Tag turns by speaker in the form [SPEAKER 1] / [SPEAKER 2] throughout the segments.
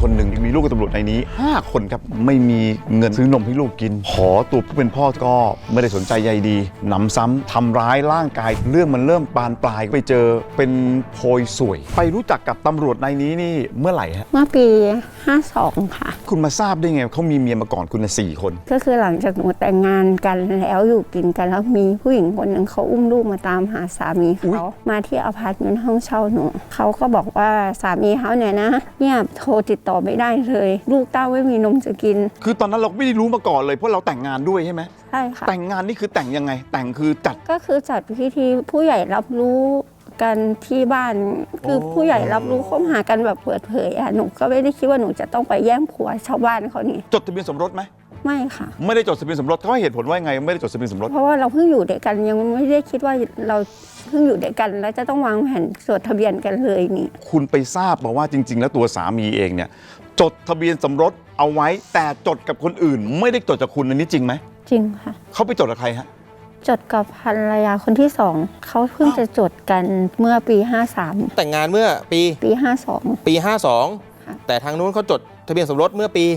[SPEAKER 1] คนหนึ่งมีลูกกับตำรวจในนี้5 คนครับไม่มีเงินซื้อนมให้ลูกกินขอตัวผู้เป็นพ่อก็ไม่ได้สนใจใยดีหนำซ้ำทำร้ายร่างกายเรื่องมันเริ่มบานปลายไปเจอเป็นโพยสวยไปรู้จักกับตำรวจในนี้นี่เมื่อไหร่ฮะ
[SPEAKER 2] เมื่อปี 52 ค่ะ
[SPEAKER 1] คุณมาทราบได้ไงเขามีเมียมาก่อนคุณ4 คน
[SPEAKER 2] ก็คือหลังจากหนูแต่งงานกันแล้วอยู่กินกันแล้วมีผู้หญิงคนหนึ่งเขาอุ้มลูกมาตามหาสามีเขามาที่อพาร์ตเมนต์ห้องเช่าหนูเขาก็บอกว่าสามีเขาเนี่ยนะเนี่ยโทรติดต่อไม่ได้เลยลูกเต้าไม่มีนมจะกิน
[SPEAKER 1] คือตอนนั้นเราไม่ได้รู้มาก่อนเลยเพราะเราแต่งงานด้วยใช่ไหม
[SPEAKER 2] ใช่ค่ะ
[SPEAKER 1] แต่งงานนี่คือแต่งยังไงแต่งคือจัด
[SPEAKER 2] ก็คือจัดพิธีผู้ใหญ่รับรู้กันที่บ้านคือผู้ใหญ่รับรู้คบหากันแบบเปิดเผยหนูก็ไม่ได้คิดว่าหนูจะต้องไปแย่งผัวชาวบ้านเขานี่
[SPEAKER 1] จดทะเบียนสมรสไหม
[SPEAKER 2] ไม่ค่ะ
[SPEAKER 1] ไม่ได้จดทะเบียนสมรสเขาให้เหตุผลว่าไงไม่ได้จดทะเบียนสมรส
[SPEAKER 2] เพราะว่าเราเพิ่งอยู่ด้วยกันยังไม่ได้คิดว่าเราเพิ่งอยู่ด้วยกันแล้วจะต้องวางแผนจดทะเบียนกันเลยนี่
[SPEAKER 1] คุณไปทราบมาว่าจริงๆแล้วตัวสามีเองเนี่ยจดทะเบียนสมรสเอาไว้แต่จดกับคนอื่นไม่ได้จดกับคุณอันนี้จริงไหม
[SPEAKER 2] จริงค่ะ
[SPEAKER 1] เขาไปจดกับใครฮะ
[SPEAKER 2] จดกับภรรยาคนที่2เขาเพิ่งจะจดกันเมื่อปี53
[SPEAKER 3] แต่งงานเมื่อปี
[SPEAKER 2] 52
[SPEAKER 3] ปี52แต่ทางนู้นเขาจดทะเบียนสมรสเมื่อปี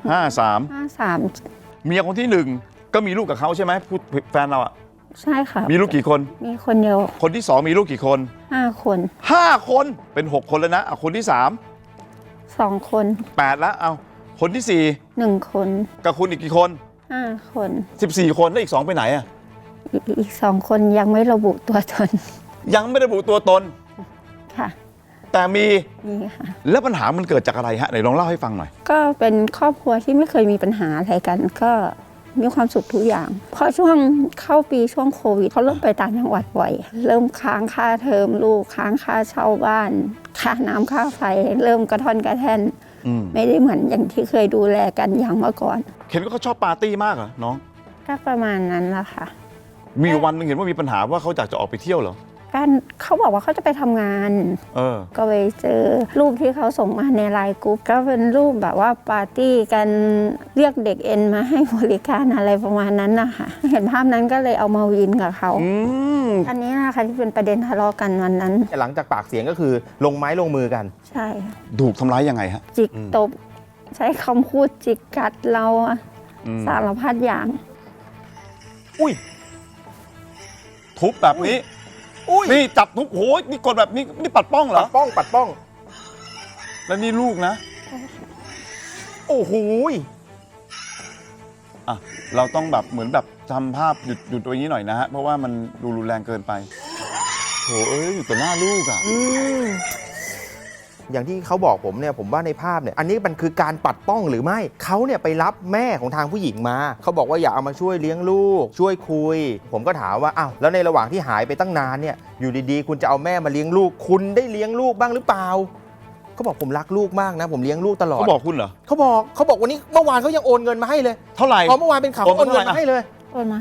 [SPEAKER 1] 53เมียคนที่1ก็มีลูกกับเขาใช่ไหมแฟนเราอ่ะ
[SPEAKER 2] ใช่ค่ะ
[SPEAKER 1] มีลูกกี่คน
[SPEAKER 2] มีคนเดียว
[SPEAKER 1] คนที่2มีลูกกี่คน
[SPEAKER 2] 5 คน
[SPEAKER 1] 5 คนเป็น6 คนแล้วนะเอาคนที่
[SPEAKER 2] 2 คน
[SPEAKER 1] 8แล้วเอาคนที่
[SPEAKER 2] 1 คน
[SPEAKER 1] กับคุณอีกกี่คน
[SPEAKER 2] 5 คน
[SPEAKER 1] 14 คนแล้วอีก2ไปไหนอ่ะ
[SPEAKER 2] อีก2 คนยังไม่ระบุตัวตน
[SPEAKER 1] ยังไม่ระบุตัวตน
[SPEAKER 2] ค่ะ
[SPEAKER 1] แต่มี
[SPEAKER 2] ค่ะ
[SPEAKER 1] แล้วปัญหามันเกิดจากอะไรฮะไหนลองเล่าให้ฟังหน่อย
[SPEAKER 2] ก็เป็นครอบครัวที่ไม่เคยมีปัญหาอะไรกันก็มีความสุขทุกอย่างพอช่วงเข้าปีช่วงโควิดเขาเริ่มไปต่างจังหวัดบ่อยเริ่มค้างค่าเทอมลูกค้างค่าเช่าบ้านค่าน้ำค่าไฟเริ่มกระท่อนกระแท่นไม่ได้เหมือนอย่างที่เคยดูแลกันอย่างเมื่อก่อน
[SPEAKER 1] เห็นว่าเขาชอบปาร์ตี้มากเหรอน้อง
[SPEAKER 2] ก็ประมาณนั้นแหละค่ะ
[SPEAKER 1] มีวันนึงเห็นว่ามีปัญหาว่าเขาอยากจะออกไปเที่ยวเหรอ
[SPEAKER 2] กันเขาบอกว่าเขาจะไปทำงานก็ไปเจอรูปที่เขาส่งมาในไลน์กรุ๊ปก็เป็นรูปแบบว่าปาร์ตี้กันเรียกเด็กเอ็นมาให้บริการอะไรประมาณนั้นนะคะเห็นภาพนั้นก็เลยเอามาวินกับเขาอันนี้นะคะที่เป็นประเด็นทะเลาะกันวันนั้น
[SPEAKER 3] หลังจากปากเสียงก็คือลงไม้ลงมือกัน
[SPEAKER 2] ใช่
[SPEAKER 1] ถูกทำร้ายยังไงฮะ
[SPEAKER 2] จิกตบใช้คำพูดจิกกัดเราสารพัดอย่าง
[SPEAKER 1] อุ้ยทุบแบบนี้นี่จับทุบโหนี่กดแบบนี้นี่ปัดป้องเหรอ
[SPEAKER 3] ปัดป้อง
[SPEAKER 1] แล้วนี่ลูกนะ
[SPEAKER 3] โอ้โห
[SPEAKER 1] อ่ะเราต้องแบบเหมือนแบบทำภาพหยุดตัวนี้หน่อยนะฮะเพราะว่ามันดูรุนแรงเกินไปโหอยู่ต่อหน้าลูกอ่ะ
[SPEAKER 3] อย่างที่เขาบอกผมเนี่ยผมว่าในภาพเนี่ยอันนี้มันคือการปัดป้องหรือไม่เขาเนี่ยไปรับแม่ของทางผู้หญิงมาเขาบอกว่าอยากเอามาช่วยเลี้ยงลูกช่วยคุยผมก็ถามว่าอ้าวแล้วในระหว่างที่หายไปตั้งนานเนี่ยอยู่ดีๆคุณจะเอาแม่มาเลี้ยงลูกคุณได้เลี้ยงลูกบ้างหรือเปล่าเขาบอกผมรักลูกมากนะผมเลี้ยงลูกตลอด
[SPEAKER 1] เขาบอกคุณเหรอ
[SPEAKER 3] เขาบอกวันนี้เมื่อวานเขายังโอนเงินมาให้เลย
[SPEAKER 1] เท่าไหร่
[SPEAKER 3] พอเมื่อวานเป็นข่าวโอนเงินมาให้เลย
[SPEAKER 2] โอนมา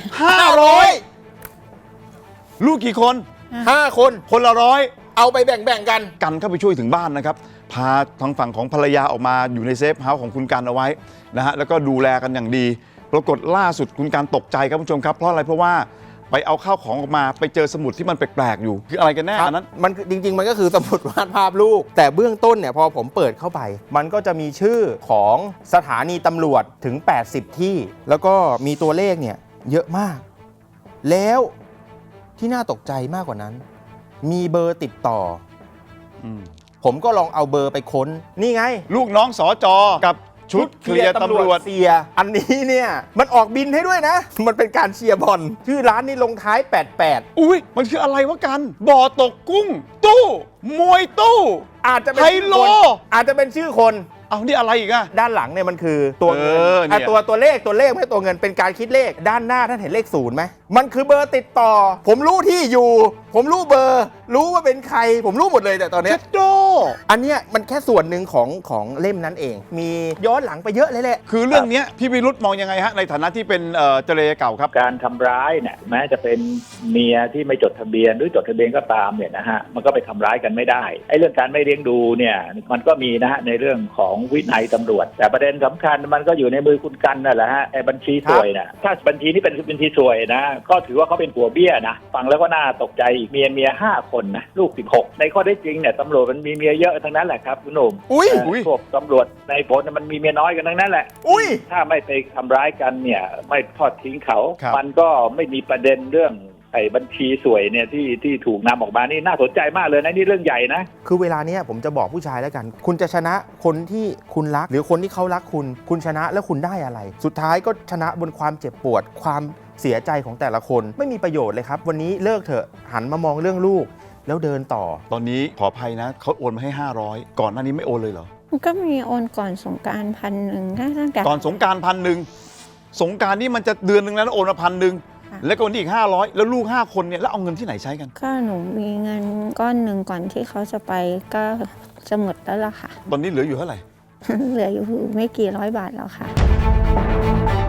[SPEAKER 1] 500ลูกกี่คน
[SPEAKER 3] 5 คน
[SPEAKER 1] ละ100
[SPEAKER 3] เอาไปแบ่งกัน
[SPEAKER 1] เข้าไปช่วยถึงบ้านนะครับพาทางฝั่งของภรรยาออกมาอยู่ในเซฟเฮาส์ของคุณกันเอาไว้นะฮะแล้วก็ดูแลกันอย่างดีปรากฏล่าสุดคุณกันตกใจครับผู้ชมครับเพราะอะไรเพราะว่าไปเอาข้าวของออกมาไปเจอสมุดที่มันแปลกๆอยู่คืออะไรกันแน่อันนั้น
[SPEAKER 3] มันจริงๆมันก็คือสมุดวาดภาพลูกแต่เบื้องต้นเนี่ยพอผมเปิดเข้าไปมันก็จะมีชื่อของสถานีตำรวจถึง80ที่แล้วก็มีตัวเลขเนี่ยเยอะมากแล้วที่น่าตกใจมากกว่านั้นมีเบอร์ติดต่อผมก็ลองเอาเบอร์ไปค้นนี่ไง
[SPEAKER 1] ลูกน้องสจกับชุดเคลียร์ตำรวจ
[SPEAKER 3] เสียอันนี้เนี่ยมันออกบินให้ด้วยนะมันเป็นการเชียร์บอลชื่อร้านนี้ลงท้าย88
[SPEAKER 1] อุ้ยมันคืออะไรวะกันบ่อตกกุ้งตู้มวยตู้
[SPEAKER 3] อาจจะเป็น
[SPEAKER 1] ไฮโล
[SPEAKER 3] อาจจะเป็นชื่อคน
[SPEAKER 1] เอานี่อะไรอีกอะ
[SPEAKER 3] ด้านหลังเนี่ยมันคือตัวเงินตัวเลขไม่ใช่ตัวเงินเป็นการคิดเลขด้านหน้าท่านเห็นเลข0ไหมมันคือเบอร์ติดต่อผมรู้ที่อยู่ผมรู้เบอร์รู้ว่าเป็นใครผมรู้หมดเลยแต่ตอนนี้อันเนี้ยมันแค่ส่วนหนึ่งของเล่มนั้นเองมีย้อนหลังไปเยอะเลยแหละ
[SPEAKER 1] คือเรื่องนี้พี่วิรุธมองยังไงฮะในฐานะที่เป็นเจรเก่าครับ
[SPEAKER 4] การทำร้ายเนี่ยแม้จะเป็นเมียที่ไม่จดทะเบียนหรือจดทะเบียนก็ตามเนี่ยนะฮะมันก็ไปทำร้ายกันไม่ได้ไอ้เรื่องการไม่เลี้ยงดูเนี่ยมันก็มีนะฮะในเรื่องของวินัยตำรวจแต่ประเด็นสำคัญมันก็อยู่ในมือคุณกันนั่นแหละฮะไอ้บัญชีสวยนะถ้าบัญชีนี้เป็นบัญชีสวยนะก็ถือว่าเขาเป็นผัวเบี้ยนะฟังแล้วก็น่าตกใจอีกเมีย5 คนนะลูก16ในข้อได้จริงเนี่ยตำรวจมันมีเมียเยอะทั้งนั้นแหละครับคุณหนุ่ม
[SPEAKER 3] อุ้ย
[SPEAKER 4] พวกตำรวจในผลมันมีเมียน้อยกันทั้งนั้นแหละ
[SPEAKER 3] อุ้ย
[SPEAKER 4] ถ้าไม่ไปทำร้ายกันเนี่ยไม่ทอดทิ้งเขา
[SPEAKER 1] ครับ
[SPEAKER 4] มันก็ไม่มีประเด็นเรื่องไอ้บัญชีสวยเนี่ยที่ถูกนำออกมานี่น่าสนใจมากเลยนะนี่เรื่องใหญ่นะ
[SPEAKER 3] คือเวลาเนี้ยผมจะบอกผู้ชายแล้วกัน คุณจะชนะคนที่คุณรัก หรือคนที่เขารักคุณ คุณชนะแล้วคุณได้อะไร สุดท้ายก็ชนะบนความเจ็บปวด ความเสียใจของแต่ละคนไม่มีประโยชน์เลยครับ วันนี้เลิกเถอะหันมามองเรื่องลูก แล้วเดินต่อ
[SPEAKER 1] ตอนนี้ขออภัยนะเขาโอนมาให้ 500 ก่อนหน้านี้ไม่โอนเลยเหรอ
[SPEAKER 2] ก็มีโอนก่อนสงกรานต์1,000ตั้งแต่
[SPEAKER 1] ก่อนสงกราร1,000 สงกรารนี่มันจะเดือนหนึ่งแล้วนะโอนมา1,000 แล้วก็วันนี้อีก500 แล้วลูก5 คนเนี่ยแล้วเอาเงินที่ไหนใช้กัน
[SPEAKER 2] ก็หนูมีเงินก้อนหนึ่งก่อนที่เขาจะไปก็จะหมดแล้วล่ะค่ะ
[SPEAKER 1] ตอนนี้เหลืออยู่เท่าไหร่
[SPEAKER 2] เหลืออยู่ไม่กี่ร้อยบาทแล้วค่ะ